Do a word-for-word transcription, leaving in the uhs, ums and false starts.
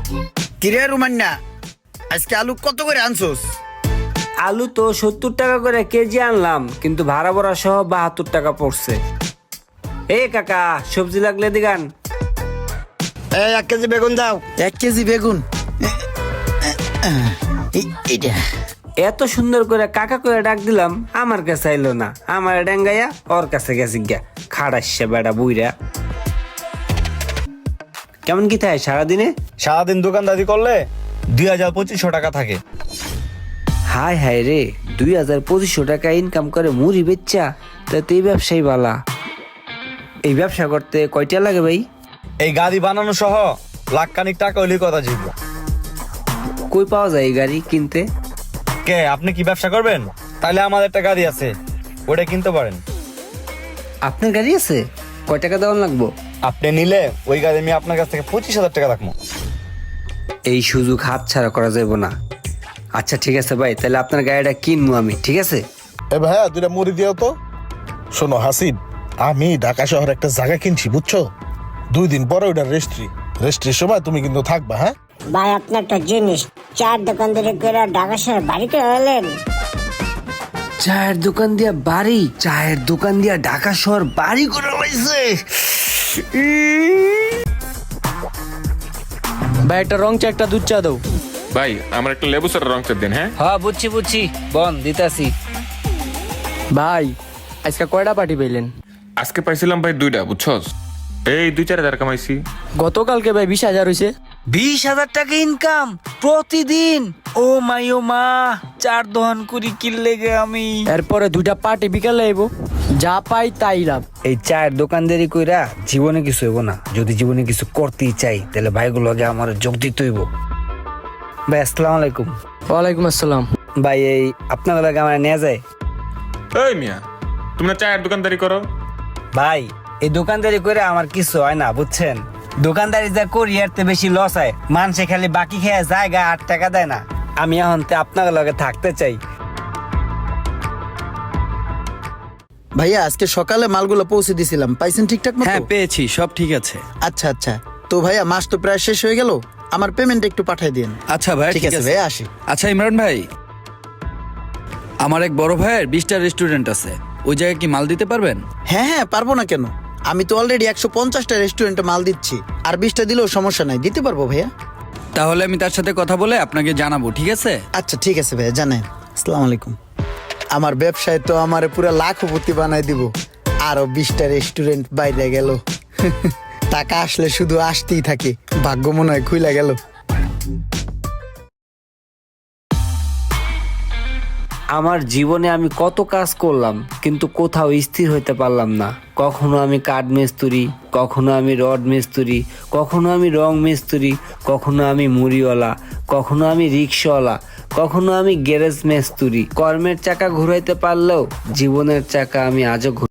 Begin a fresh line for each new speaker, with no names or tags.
কিরে রুমান্না, আজকে আলু কত করে আনছোস?
আলু তো সত্তর টাকা করে কেজি আনলাম, কিন্তু ভাড়া ভরা সহ বাহাত্তর টাকা পড়ছে। এ কাকা, সবজি লাগলে দিগান।
এই এক কেজি বেগুন দাও।
এক কেজি বেগুন। এই- এইটা
এত সুন্দর করে কাকা করে ডাক দিলাম, আমার কাছে আইলো না। আমার ডেঙ্গাইয়া ওর কাছে গেছি গা, খাড়াইছে বেড়া বুইরা। কেমন কি থাকে সারাদিনে?
সারাদিন দোকানদারি করলে দুই হাজার পঁচিশশো টাকা থাকে।
হাই হাই রে, দুই হাজার পঁচিশশো টাকা ইনকাম করে মুড়ি বেচ্চা, তাতে এই ব্যবসায়ী বালা। এই ব্যবসা করতে কয়টা লাগে ভাই?
এই গাড়ি বানানো সহ লাখ খানিক টাকা হইলে কথা জিতব।
কই পাওয়া যায় এই গাড়ি কিনতে?
কে, আপনি কি ব্যবসা করবেন? তাহলে আমাদের একটা গাড়ি আছে, ওটা কিনতে পারেন।
আপনার গাড়ি আছে? কয় টাকা দেওয়ান লাগবো?
আপনি নিলে ওই গাড়ি আমি আপনার কাছ থেকে পঁচিশ হাজার টাকা রাখবো।
এই সুযোগ হাত ছাড়া করা যাবে না। আচ্ছা ঠিক আছে ভাই, তাহলে আপনার গাড়িটা কিনবো আমি, ঠিক আছে?
এ ভাইয়া দুইটা মুড়ি দিও তো। শোনো হাসিন, আমি ঢাকা শহরে একটা জায়গা কিনছি বুঝছো। দুই দিন পরে ওইটা রেস্ট্রি রেস্ট্রির সময় তুমি কিন্তু থাকবা। হ্যাঁ
ভাই, আপনি একটা জিনিস, চার দোকান ধরে করে ঢাকা শহরে বাড়িতে এলেন।
চায়ের দোকান দিয়া বাড়ি, চায়ের দোকান দিয়া ঢাকা শহর বাড়ি করে লাইছে।
ভাই একটা রং চা, একটা দুধ চা দাও।
ভাই আমার একটা লেবু স্যার রং চা দিন। হ্যাঁ
হ্যাঁ বুঝছি বুঝছি, বন দিতাছি।
ভাই আজকে কয়টা পার্টি পাইলেন?
আজকে পাইছিলাম ভাই দুইটা, বুঝছস? এই দুই চার হাজার কামাইছি।
গতকালকে ভাই বিশ হাজার হয়েছে।
বিশ হাজার টাকা ইনকাম প্রতিদিন? ও মাই ও মা, চার দহন করি কিনলে গে আমি।
এরপরে দুইটা পার্টি বিকালে আইব, যা পাই তাই লাভ।
এই চায়ের দোকানদারি কইরা জীবনে কিছু হইব না। যদি জীবনে কিছু করতেই চাই, তাহলে ভাইগুলো আগে আমার যোগ দিতে হইব। ভাই আসসালামু আলাইকুম।
ওয়ালাইকুম আসসালাম।
ভাই এই আপনার লাগে আমার নেওয়া যায়?
এই মিয়া, তুমি না চায়ের দোকানদারি করো?
ভাই এই দোকানদারি করে আমার কিছু হয় না, বুঝছেন? দোকানদারি যা করি এর তে বেশি লস হয়। মানুষে খালি বাকি খেয়ে জায়গা আট টাকা দেয় না। আমি এখন তে আপনার লগে থাকতে চাই।
ভাইয়া আজকে সকালে মালগুলো পৌঁছে দিছিলাম, পাইছেন ঠিকঠাক মতো?
হ্যাঁ পেয়েছি, সব ঠিক আছে।
আচ্ছা আচ্ছা, তো ভাইয়া মাস তো প্রায় শেষ হয়ে গেল, আমার পেমেন্ট একটু পাঠিয়ে দিন।
আচ্ছা ভাই,
ঠিক আছে ভাইয়া, আসি।
আচ্ছা ইমরান ভাই, আমার এক বড় ভাইয়ের বিশটা রেস্টুরেন্ট আছে, ওই জায়গায় কি মাল দিতে পারবেন?
হ্যাঁ হ্যাঁ, পারবো না কেন? আমি তো অলরেডি একশো পঞ্চাশটা রেস্টুরেন্টে মাল দিচ্ছি, আর বিশটা দিলেও সমস্যা নাই, দিতে পারবো ভাইয়া।
তাহলে আমি তার সাথে কথা বলে আপনাকে জানাবো, ঠিক আছে?
আচ্ছা ঠিক আছে ভাইয়া, জানেন। আসসালামু আলাইকুম। আমার ব্যবসায় তো আমার পুরো লাখপতি বানাই দিব। আরো বিশটা রেস্টুরেন্ট বাইরে গেল। টাকা আসলে শুধু আসতেই থাকে, ভাগ্য মনে হয় খুইলা গেল।
আমার জীবনে আমি কত কাজ করলাম, কিন্তু কোথাও স্থির হইতে পারলাম না। কখনো আমি কাঠ মিস্ত্রি, কখনো আমি রড মিস্ত্রি, কখনো আমি রং মিস্ত্রি, কখনো আমি মুড়িওয়ালা, কখনো আমি রিক্সাওয়ালা, কখনো আমি গ্যারেজ মিস্ত্রি। কর্মের চাকা ঘুরাইতে পারলেও জীবনের চাকা আমি আজও